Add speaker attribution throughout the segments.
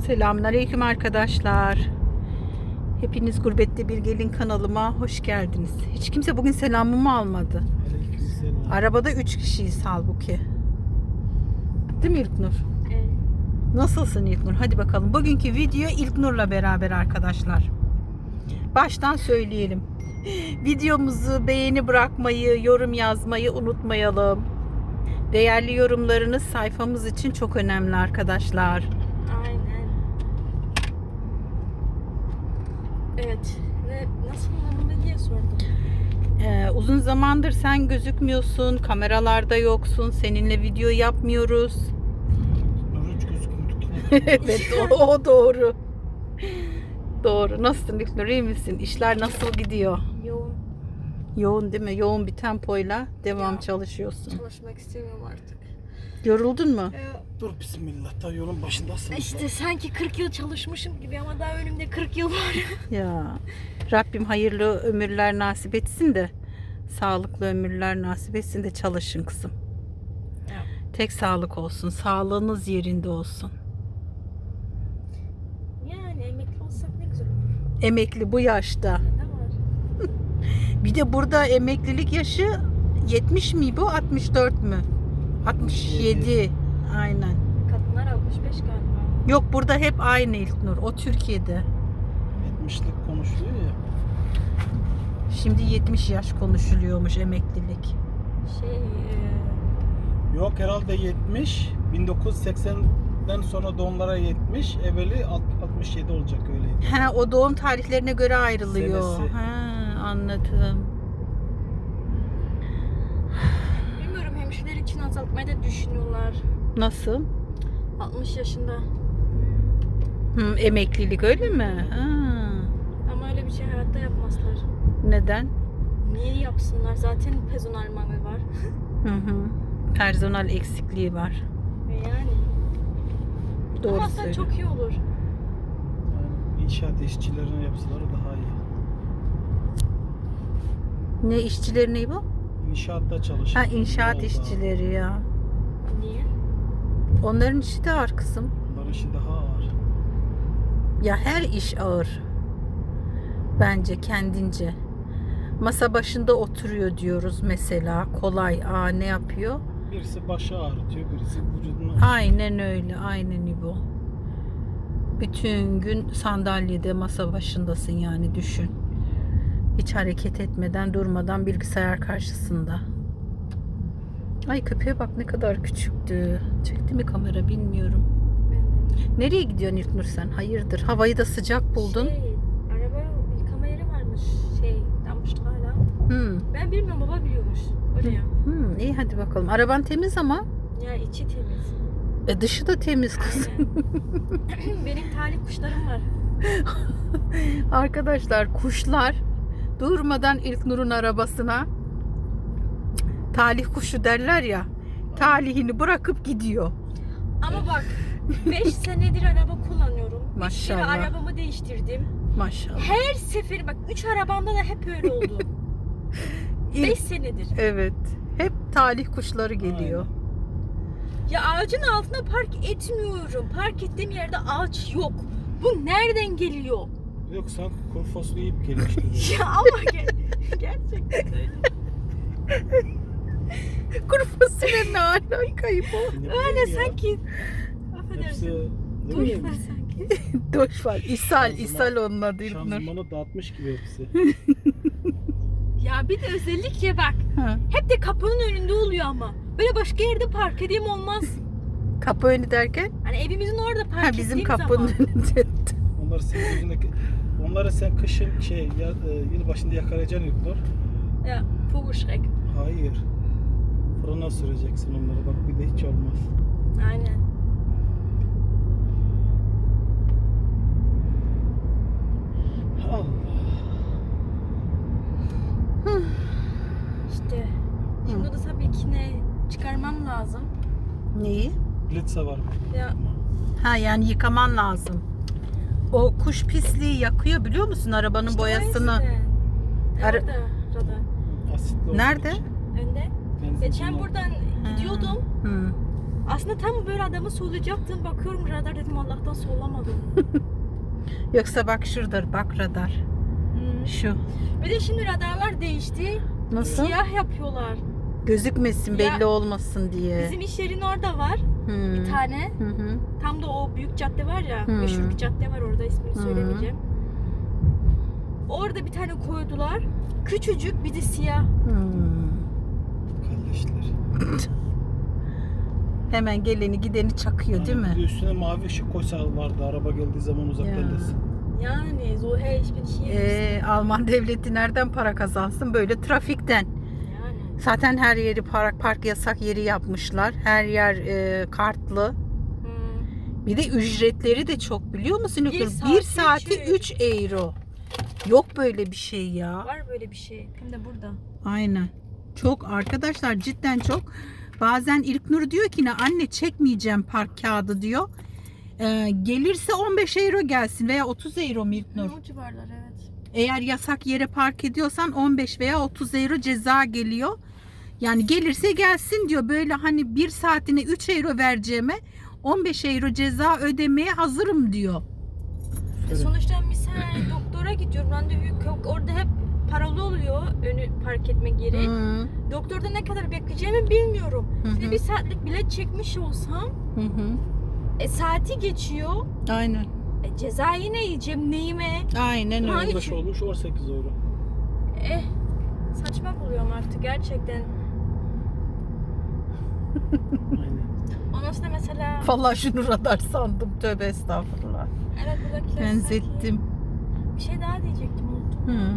Speaker 1: Selamünaleyküm arkadaşlar. Hepiniz Gurbette Bir Gelin kanalıma hoş geldiniz. Hiç kimse bugün selamımı almadı.
Speaker 2: Aleykümselam.
Speaker 1: Arabada 3 kişiyiz halbuki. Değil mi İlknur?
Speaker 3: Evet.
Speaker 1: Nasılsın İlknur? Hadi bakalım. Bugünkü video İlknur'la beraber arkadaşlar. Baştan söyleyelim. Videomuzu beğeni bırakmayı, yorum yazmayı unutmayalım. Değerli yorumlarınız sayfamız için çok önemli arkadaşlar.
Speaker 3: Aynen. Evet. Nasıl diye sordum.
Speaker 1: Uzun zamandır sen gözükmüyorsun, kameralarda yoksun, seninle video yapmıyoruz.
Speaker 2: Hiç gözükmüyorduk.
Speaker 1: Evet, o doğru. Doğru. Nasılsın İlknur, iyi misin? İşler nasıl gidiyor?
Speaker 3: Yoğun.
Speaker 1: Yoğun değil mi? Yoğun bir tempoyla devam
Speaker 3: Ya.
Speaker 1: çalışıyorsun.
Speaker 3: Çalışmak istemiyorum artık.
Speaker 1: Yoruldun mu?
Speaker 2: Dur bismillah, daha yolun başındasın.
Speaker 3: İşte sanki 40 yıl çalışmışım gibi ama daha önümde 40 yıl var.
Speaker 1: Ya Rabbim hayırlı ömürler nasip etsin de, sağlıklı ömürler nasip etsin de çalışın kızım.
Speaker 3: Ya.
Speaker 1: Tek sağlık olsun, sağlığınız yerinde olsun.
Speaker 3: Yani emekli olsak ne güzel olur.
Speaker 1: Emekli bu yaşta.
Speaker 3: Ne var?
Speaker 1: Bir de burada emeklilik yaşı 70 mi bu, 64 mü? 67. Aynen.
Speaker 3: Kadınlar 65 galiba.
Speaker 1: Yok, burada hep aynı İlknur. O Türkiye'de.
Speaker 2: 70'lik konuşuluyor ya.
Speaker 1: Şimdi 70 yaş konuşuluyormuş emeklilik.
Speaker 2: Yok herhalde 70. 1980'den sonra doğumlara 70. Evveli 67 olacak öyleydi.
Speaker 1: He, o doğum tarihlerine göre ayrılıyor.
Speaker 2: Senesi.
Speaker 1: He, anladım.
Speaker 3: Bilmiyorum, hemşireler için azaltmayı da düşünüyorlar.
Speaker 1: Nasıl?
Speaker 3: 60 yaşında.
Speaker 1: Emeklilik öyle mi? Ha.
Speaker 3: Ama öyle bir şey hayatta yapmazlar.
Speaker 1: Neden?
Speaker 3: Niye yapsınlar? Zaten personel mangel var.
Speaker 1: Personel eksikliği var.
Speaker 3: Yani.
Speaker 1: Doğru
Speaker 3: Ama aslında
Speaker 1: söylüyorsun.
Speaker 3: çok iyi olur.
Speaker 2: Yani inşaat işçilerine yapsalar daha iyi.
Speaker 1: Ne işçileri ne bu?
Speaker 2: İnşaatta çalışan.
Speaker 1: Ha, inşaat
Speaker 2: yolda.
Speaker 1: işçileri ya.
Speaker 3: Niye?
Speaker 1: Onların işi de ağır kızım.
Speaker 2: Onların işi daha ağır.
Speaker 1: Ya her iş ağır. Bence kendince. Masa başında oturuyor diyoruz mesela. Kolay. Ne yapıyor?
Speaker 2: Birisi başı ağrıtıyor, birisi vücudunu.
Speaker 1: Aynen öyle. Aynen İbo. Bütün gün sandalyede, masa başındasın yani, düşün. Hiç hareket etmeden, durmadan bilgisayar karşısında. Ay, köpeğe bak ne kadar küçüktü. Çekti mi kamera bilmiyorum.
Speaker 3: Ben de.
Speaker 1: Nereye gidiyorsun İlknur sen? Hayırdır? Havayı da sıcak buldun.
Speaker 3: Araba yıkama yeri varmış. Dammıştı hala. Ben bilmiyorum, baba biliyormuş. Öyle ya.
Speaker 1: İyi hadi bakalım. Araban temiz ama.
Speaker 3: Ya içi temiz.
Speaker 1: Dışı da temiz kız.
Speaker 3: Aynen. Benim talih kuşlarım var.
Speaker 1: Arkadaşlar, kuşlar durmadan İlknur'un arabasına, talih kuşu derler ya, talihini bırakıp gidiyor.
Speaker 3: Ama bak, 5 senedir araba kullanıyorum.
Speaker 1: Maşallah.
Speaker 3: Bir kere arabamı değiştirdim.
Speaker 1: Maşallah.
Speaker 3: Her sefer bak, 3 arabamda da hep öyle oldu. 5 senedir.
Speaker 1: Evet. Hep talih kuşları geliyor.
Speaker 3: Ya ağacın altına park etmiyorum. Park ettiğim yerde ağaç yok. Bu nereden geliyor?
Speaker 2: Yok, sanki kuru fasulye yiyip gelmişti.
Speaker 3: Ya ama gerçekten öyle.
Speaker 1: Kuru fasulye ne alakayı bu?
Speaker 3: Öyle sanki.
Speaker 2: Hepsi
Speaker 3: Affedersin.
Speaker 2: değil
Speaker 3: Duş
Speaker 2: mi?
Speaker 3: var sanki.
Speaker 1: Doş var. İshal onun adı İlknur.
Speaker 2: Şanzımanı dağıtmış gibi hepsi.
Speaker 3: Ya bir de özellikle bak.
Speaker 1: Ha.
Speaker 3: Hep de kapının önünde oluyor ama. Böyle başka yerde park edeyim olmaz.
Speaker 1: Kapı önü derken?
Speaker 3: Hani evimizin orada park ettiğim
Speaker 1: Bizim kapının
Speaker 3: zaman.
Speaker 1: önünde.
Speaker 2: Onları sen kışın yılbaşında yakalayacaksın İlknur.
Speaker 3: Ya Vogelschreck.
Speaker 2: Hayır. Fırına süreceksin onları, bak bir de hiç olmaz.
Speaker 3: Aynen.
Speaker 2: Allah.
Speaker 3: İşte. Şimdi da tabii ki çıkarmam lazım.
Speaker 1: Neyi?
Speaker 2: Blitze var mı?
Speaker 3: Ya
Speaker 1: Ha, yani yıkaman lazım. O kuş pisliği yakıyor, biliyor musun, arabanın
Speaker 3: işte
Speaker 1: boyasını? Ara-
Speaker 3: Orada radar.
Speaker 2: Asitli olduğu
Speaker 1: Nerede?
Speaker 2: için.
Speaker 3: Önde.
Speaker 2: Benzin
Speaker 3: Geçen
Speaker 2: kullan-
Speaker 3: buradan gidiyordum. Aslında tam böyle adamı solayacaktım. Bakıyorum radar, dedim Allah'tan solamadım.
Speaker 1: Yoksa bak şurada, bak radar. Şu.
Speaker 3: Bir de şimdi radarlar değişti.
Speaker 1: Nasıl?
Speaker 3: Siyah yapıyorlar.
Speaker 1: Gözükmesin, belli
Speaker 3: Ya,
Speaker 1: olmasın diye.
Speaker 3: Bizim iş yerinin orada var
Speaker 1: Hmm.
Speaker 3: bir tane.
Speaker 1: Hı hı.
Speaker 3: Tam da o büyük cadde var ya.
Speaker 1: Hmm.
Speaker 3: Meşhur bir cadde var orada, ismini
Speaker 1: Hmm.
Speaker 3: söylemeyeceğim. Orada bir tane koydular. Küçücük, bir de siyah.
Speaker 1: Hmm.
Speaker 2: Kardeşler.
Speaker 1: Hemen geleni gideni çakıyor değil
Speaker 2: Bir de
Speaker 1: mi?
Speaker 2: üstüne mavi ışık koysa vardı. Araba geldiği zaman uzak
Speaker 1: Ya.
Speaker 2: bellesin.
Speaker 3: Yani so hey, ich bin hier.
Speaker 1: Alman devleti nereden para kazansın? Böyle trafikten.
Speaker 3: Yani.
Speaker 1: Zaten her yeri park yasak yeri yapmışlar. Her yer kartlı.
Speaker 3: Hmm.
Speaker 1: Bir de ücretleri de çok, biliyor musun?
Speaker 3: Bir
Speaker 1: Bir
Speaker 3: saati
Speaker 1: saati 3 euro. Yok böyle bir şey ya.
Speaker 3: Var böyle bir şey. Hem de burada.
Speaker 1: Aynen. Çok arkadaşlar, cidden çok. Bazen İlknur diyor ki ne anne, çekmeyeceğim park kağıdı diyor. Gelirse 15 euro gelsin veya 30 euro mu İlknur?
Speaker 3: O civarlar, evet.
Speaker 1: Eğer yasak yere park ediyorsan 15 veya 30 euro ceza geliyor. Yani gelirse gelsin diyor. Böyle hani bir saatine 3 euro vereceğime 15 euro ceza ödemeye hazırım diyor.
Speaker 3: Sonuçta misal doktora gidiyorum. Randevu yok. Orada hep paralı oluyor önü park etmek yeri.
Speaker 1: Hı
Speaker 3: Doktorda ne kadar bekleyeceğimi bilmiyorum.
Speaker 1: Hı
Speaker 3: Bir de
Speaker 1: hı.
Speaker 3: bir saatlik bilet çekmiş olsam
Speaker 1: hı.
Speaker 3: saati geçiyor.
Speaker 1: Aynen.
Speaker 3: Ceza yine yiyeceğim neyime?
Speaker 1: Aynen öyle.
Speaker 3: Hangi-
Speaker 2: 15 olmuş 18 euro.
Speaker 3: Saçma buluyorum artık gerçekten.
Speaker 2: Aynen.
Speaker 3: Ondan sonra mesela
Speaker 1: Vallahi şunu radar sandım. Tövbe estağfurullah.
Speaker 3: evet, buradakiler
Speaker 1: Benzettim.
Speaker 3: sanki- Bir şey daha diyecektim, unuttum.
Speaker 1: Hı.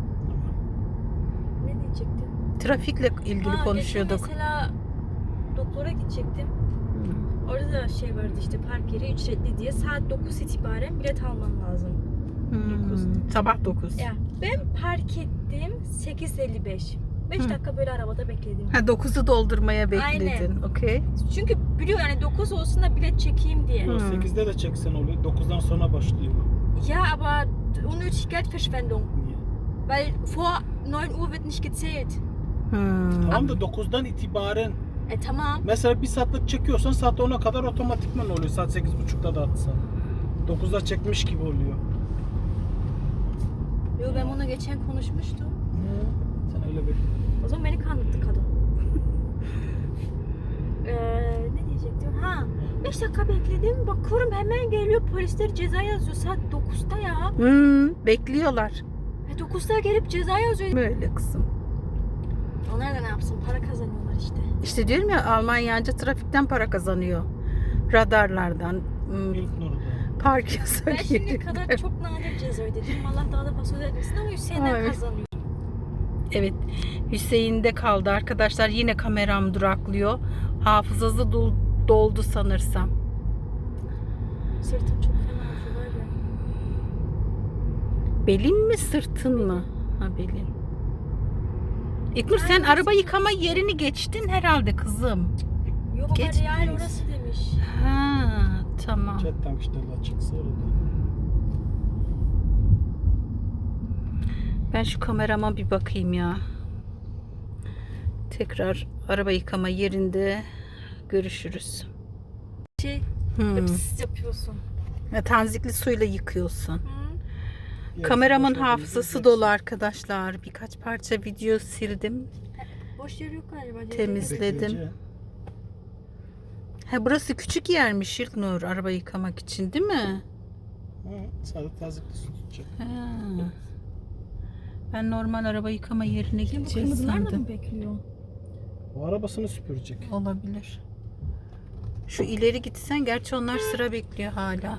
Speaker 3: Ne diyecektim?
Speaker 1: Trafikle ilgili
Speaker 3: Geçen
Speaker 1: konuşuyorduk.
Speaker 3: mesela doktora gidecektim. Orada da şey vardı işte, park yeri ücretli diye. Saat 9 itibaren bilet alman lazım.
Speaker 1: Sabah 9.
Speaker 3: Ya ben park ettim 8:55. 5
Speaker 1: Hı.
Speaker 3: dakika böyle arabada bekledim.
Speaker 1: Ha, 9'u doldurmaya bekledin.
Speaker 3: Aynen.
Speaker 1: Okey.
Speaker 3: Çünkü biliyor yani 9 olsun da bilet çekeyim diye.
Speaker 1: Hı.
Speaker 2: 8'de de çeksen oluyor. 9'dan sonra başlıyor.
Speaker 3: Ja, aber unnötig Geldverschwendung.
Speaker 2: Niye?
Speaker 3: Weil vor 9 Uhr wird nicht gezählt.
Speaker 2: Tamam da 9'dan itibaren
Speaker 3: Tamam.
Speaker 2: mesela bir saatlik çekiyorsan saat 10'a kadar otomatikman oluyor. Saat 8.30'da da atsan. 9'da çekmiş gibi oluyor.
Speaker 3: Yo, ben bunu geçen konuşmuştum.
Speaker 2: Sen öyle bekle.
Speaker 3: O zaman beni kandırdı kadın. Ne diyecektim? Ha, 5 dakika bekledim. Bakıyorum hemen geliyor, polisler ceza yazıyor saat 9'da ya.
Speaker 1: Bekliyorlar.
Speaker 3: 9'da gelip ceza yazıyor.
Speaker 1: Böyle kızım.
Speaker 3: Onlar da ne yapsın? Para kazanıyorlar işte.
Speaker 1: İşte diyorum ya, Almanyanca trafikten para kazanıyor. Radarlardan.
Speaker 2: İlk Nur'da.
Speaker 1: Park
Speaker 3: Ben
Speaker 1: yasak
Speaker 3: şimdiye
Speaker 1: yeri.
Speaker 3: kadar çok nadir ceza ödedim. Allah daha da fazla ödemesin ama Hüseyin'den
Speaker 1: Ay.
Speaker 3: kazanıyor.
Speaker 1: Evet. Hüseyin'de kaldı arkadaşlar. Yine kameram duraklıyor. Hafızası doldu sanırsam.
Speaker 3: Sırtım çok fena acıyor var ya.
Speaker 1: Belin mi, sırtın mı? Ha, belin. İlknur, sen araba yıkama yerini geçtin herhalde kızım.
Speaker 3: Yok baba,
Speaker 1: Geç.
Speaker 3: real orası demiş.
Speaker 1: Ha, tamam.
Speaker 2: Jet tankışlarla çıksa orada.
Speaker 1: Ben şu kamerama bir bakayım ya. Tekrar araba yıkama yerinde görüşürüz.
Speaker 3: Pıs yapıyorsun.
Speaker 1: Tanzikli suyla yıkıyorsun.
Speaker 3: Hı?
Speaker 1: Kameramın hafızası dolu arkadaşlar. Birkaç parça video sildim.
Speaker 3: Boş yer yok galiba.
Speaker 1: Temizledim. Ha, burası küçük yermiş İlknur, araba yıkamak için değil mi?
Speaker 2: Sadece tazikli su tutacak.
Speaker 1: Ha. Ben normal araba yıkama yerine
Speaker 3: Şimdi bu
Speaker 1: gideceğiz
Speaker 3: kırmızılar da
Speaker 1: sandım.
Speaker 3: mı bekliyor?
Speaker 2: O arabasını süpürecek.
Speaker 1: Olabilir. Şu ileri gitsen, gerçi onlar sıra bekliyor hala.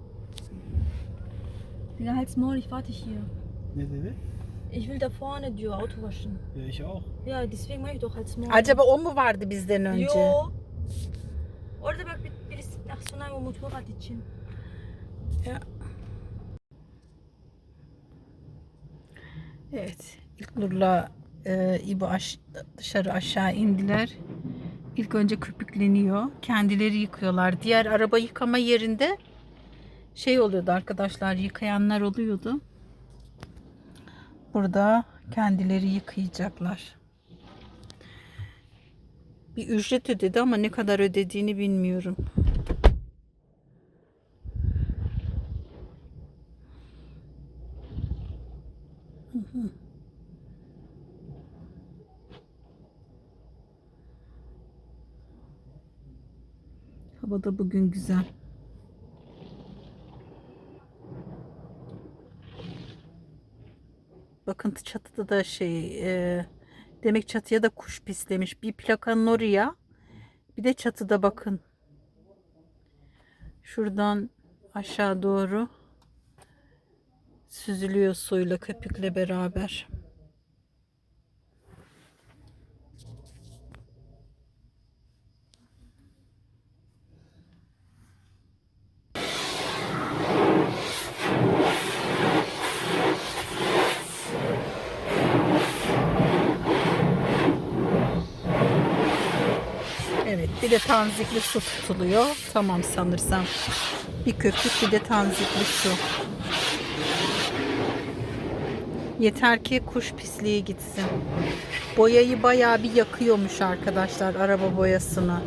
Speaker 3: Ja, halt's Maul, ich warte hier.
Speaker 2: Ne dedi?
Speaker 3: Ich will da vorne diyor, Auto waschen.
Speaker 2: Ya ich auch.
Speaker 3: Ja, deswegen mach ich doch halt's Maul.
Speaker 1: Acaba o mu vardı bizden önce?
Speaker 3: Yo. Orada bak birisi Aksunay o motorrad için.
Speaker 1: Ya. Evet. İlknur'la İbo dışarı aşağı indiler. İlk önce köpükleniyor. Kendileri yıkıyorlar. Diğer araba yıkama yerinde şey oluyordu arkadaşlar, yıkayanlar oluyordu. Burada kendileri yıkayacaklar. Bir ücret ödedi ama ne kadar ödediğini bilmiyorum. Hava da bugün güzel. Bakın çatıda da demek çatıya da kuş pislemiş. Bir plakanın oraya, bir de çatıda bakın. Şuradan aşağı doğru süzülüyor suyla, köpükle beraber. Evet, bir de tanzikli su tutuluyor. Tamam sanırsam. Bir köpük, bir de tanzikli su. Yeter ki kuş pisliği gitsin. Boyayı bayağı bir yakıyormuş arkadaşlar, araba boyasını.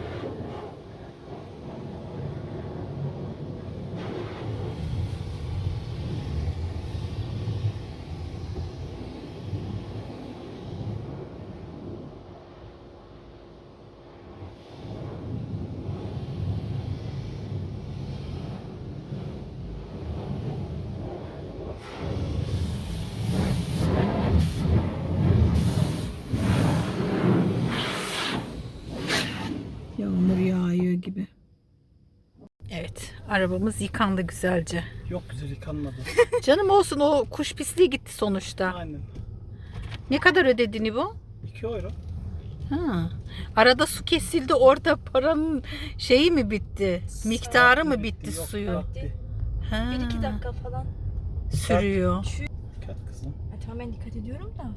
Speaker 1: Yağmur yağıyor gibi. Evet, arabamız yıkandı güzelce.
Speaker 2: Yok, güzel yıkanmadı.
Speaker 1: Canım olsun, o kuş pisliği gitti sonuçta.
Speaker 2: Aynen.
Speaker 1: Ne kadar ödedin bu?
Speaker 2: 2 euro.
Speaker 1: Ha. Arada su kesildi, orada paranın şeyi mi bitti? Miktarı mı bitti
Speaker 2: Yok,
Speaker 1: suyu?
Speaker 2: bitti.
Speaker 1: Ha.
Speaker 3: 1-2 dakika falan.
Speaker 1: Sürüyor.
Speaker 2: Dikkat kızım.
Speaker 3: Tamam, ben dikkat ediyorum da.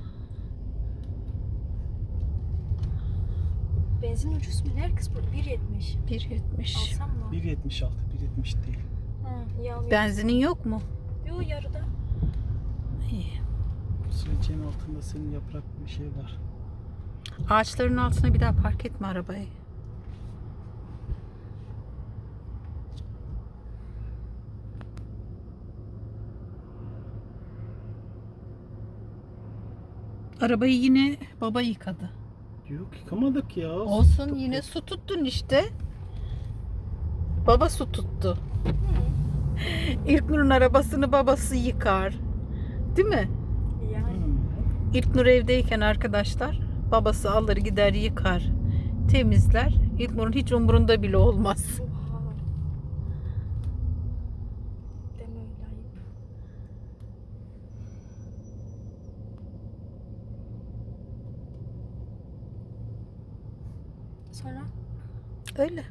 Speaker 3: Benzin ucuz mu? Ne kız bu? 1.70.
Speaker 1: 1.70.
Speaker 3: Alsam mı?
Speaker 2: 1.76, 1.70 değil.
Speaker 3: Ha, iyi almıyorum.
Speaker 1: Benzinin yok mu?
Speaker 3: Yo, yarıda.
Speaker 1: İyi.
Speaker 2: Silecek'in altında senin yaprak bir şey var.
Speaker 1: Ağaçların altına bir daha park etme arabayı. Arabayı yine baba yıkadı.
Speaker 2: Yok, yıkamadık ya.
Speaker 1: Olsun,
Speaker 2: Tuttuk
Speaker 1: yine
Speaker 2: ya.
Speaker 1: su tuttun işte. Baba su tuttu. İlknur'un arabasını babası yıkar. Değil mi?
Speaker 3: Yani.
Speaker 1: İlknur evdeyken arkadaşlar, babası alır gider yıkar, temizler. İlknur'un hiç umurunda bile olmaz.
Speaker 3: Oha. Deme öyle, ayıp. Sonra?
Speaker 1: Öyle.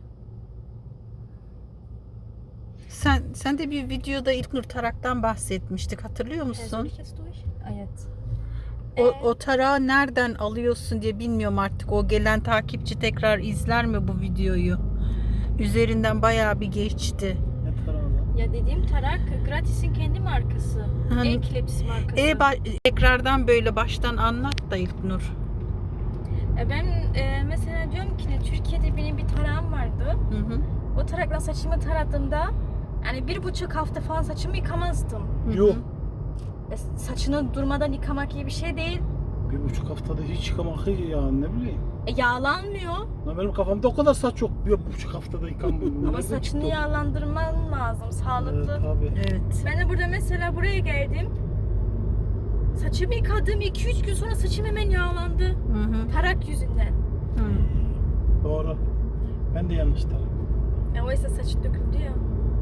Speaker 1: Sen de bir videoda İlknur taraktan bahsetmiştik, hatırlıyor musun?
Speaker 3: Evet.
Speaker 1: O tarağı nereden alıyorsun diye bilmiyorum artık. O gelen takipçi tekrar izler mi bu videoyu? Üzerinden bayağı bir geçti.
Speaker 2: Yeter abi.
Speaker 3: Ya dediğim tarak Gratis'in kendi markası.
Speaker 1: Hani-
Speaker 3: Eclipse markası.
Speaker 1: Tekrardan böyle baştan anlat da İlknur.
Speaker 3: Ben mesela diyorum ki Türkiye'de benim bir tarağım vardı.
Speaker 1: Hı hı.
Speaker 3: O tarakla saçımı taradığımda yani 1,5 hafta falan saçımı yıkamazdım.
Speaker 1: Hı hı.
Speaker 2: Yok.
Speaker 3: Saçını durmadan yıkamak iyi bir şey değil.
Speaker 2: 1,5 haftada hiç yıkamak iyi ya, ne bileyim.
Speaker 3: Yağlanmıyor.
Speaker 2: Lan benim kafamda o kadar saç yok. 1,5 haftada yıkanmıyor.
Speaker 3: Ama saçını yağlandırman lazım. Sağlıklı.
Speaker 2: Tabii.
Speaker 1: Evet.
Speaker 3: Ben de burada mesela buraya geldim. Saçımı yıkadım. 2-3 gün sonra saçım hemen yağlandı.
Speaker 1: Hı hı.
Speaker 3: Tarak yüzünden.
Speaker 1: Hı.
Speaker 2: Doğru. Ben de yanlış taraf.
Speaker 3: Oysa saç döküldü ya.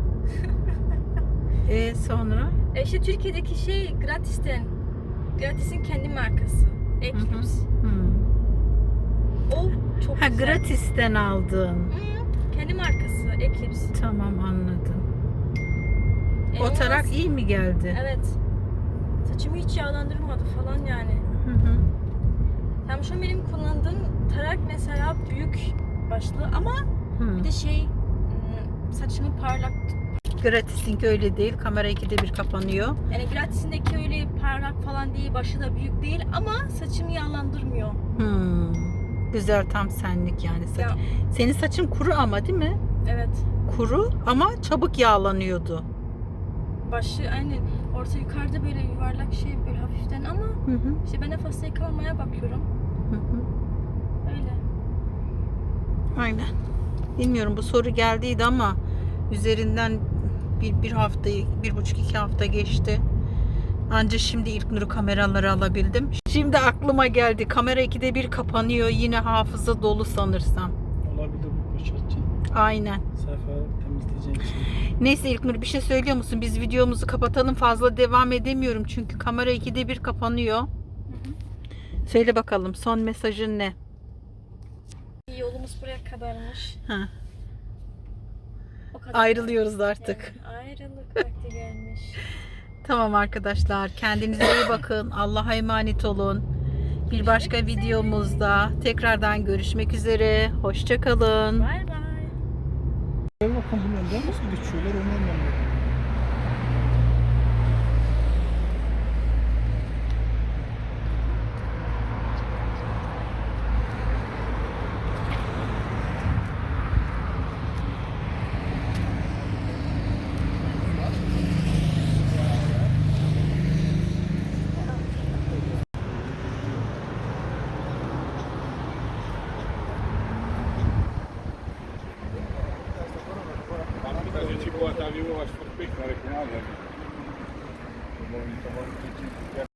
Speaker 1: Sonra?
Speaker 3: İşte Türkiye'deki şey Gratis'ten. Gratis'in kendi markası. Eclipse.
Speaker 1: Hı.
Speaker 3: O çok
Speaker 1: Ha,
Speaker 3: güzel.
Speaker 1: Gratis'ten aldın.
Speaker 3: Kendi markası Eclipse.
Speaker 1: Tamam, anladım. O
Speaker 3: İnanılmaz.
Speaker 1: tarak iyi mi geldi?
Speaker 3: Evet. Saçımı hiç yağlandırmadı falan yani.
Speaker 1: Hı hı.
Speaker 3: Tam şu an benim kullandığım tarak mesela büyük başlı ama
Speaker 1: Hı.
Speaker 3: bir de saçımı parlak.
Speaker 1: Gratis'inki öyle değil. Kamera 2'de bir kapanıyor.
Speaker 3: Yani Gratis'indeki öyle parlak falan değil, başı da büyük değil ama saçımı yağlandırmıyor.
Speaker 1: Hmm. Güzel, tam senlik yani saç.
Speaker 3: Ya,
Speaker 1: Senin saçın kuru ama değil mi?
Speaker 3: evet.
Speaker 1: Kuru ama çabuk yağlanıyordu.
Speaker 3: Başı aynen orta yukarıda böyle yuvarlak şey böyle hafiften ama
Speaker 1: Hı hı.
Speaker 3: işte ben de fazla yıkamamaya bakıyorum.
Speaker 1: Hı hı.
Speaker 3: Öyle.
Speaker 1: Aynen. Bilmiyorum, bu soru geldiydi ama üzerinden bir hafta, 1,5-2 hafta geçti. Anca şimdi İlknur'u kameraları alabildim. Şimdi aklıma geldi. Kamera 2'de 1 kapanıyor. Yine hafıza dolu sanırsam.
Speaker 2: Olabilir, bu boşaltacaksın.
Speaker 1: Aynen.
Speaker 2: Sayfa temizleyeceğin için.
Speaker 1: Neyse İlknur, bir şey söylüyor musun? Biz videomuzu kapatalım. Fazla devam edemiyorum. Çünkü kamera 2'de 1 kapanıyor.
Speaker 3: Hı hı.
Speaker 1: Söyle bakalım, son mesajın ne?
Speaker 3: Yolumuz buraya kadarmış.
Speaker 1: Ha,
Speaker 3: O kadar.
Speaker 1: ayrılıyoruz artık.
Speaker 3: Yani ayrılık vakti gelmiş.
Speaker 1: Tamam arkadaşlar, kendinize iyi bakın. Allah'a emanet olun. Bir başka videomuzda tekrardan görüşmek üzere. Hoşça kalın.
Speaker 3: Bay bay.
Speaker 2: Gel bakalım, bunlar nasıl geçiyorlar onu anlamadım.
Speaker 4: A gente bota ali, eu acho que foi peixe, na hora que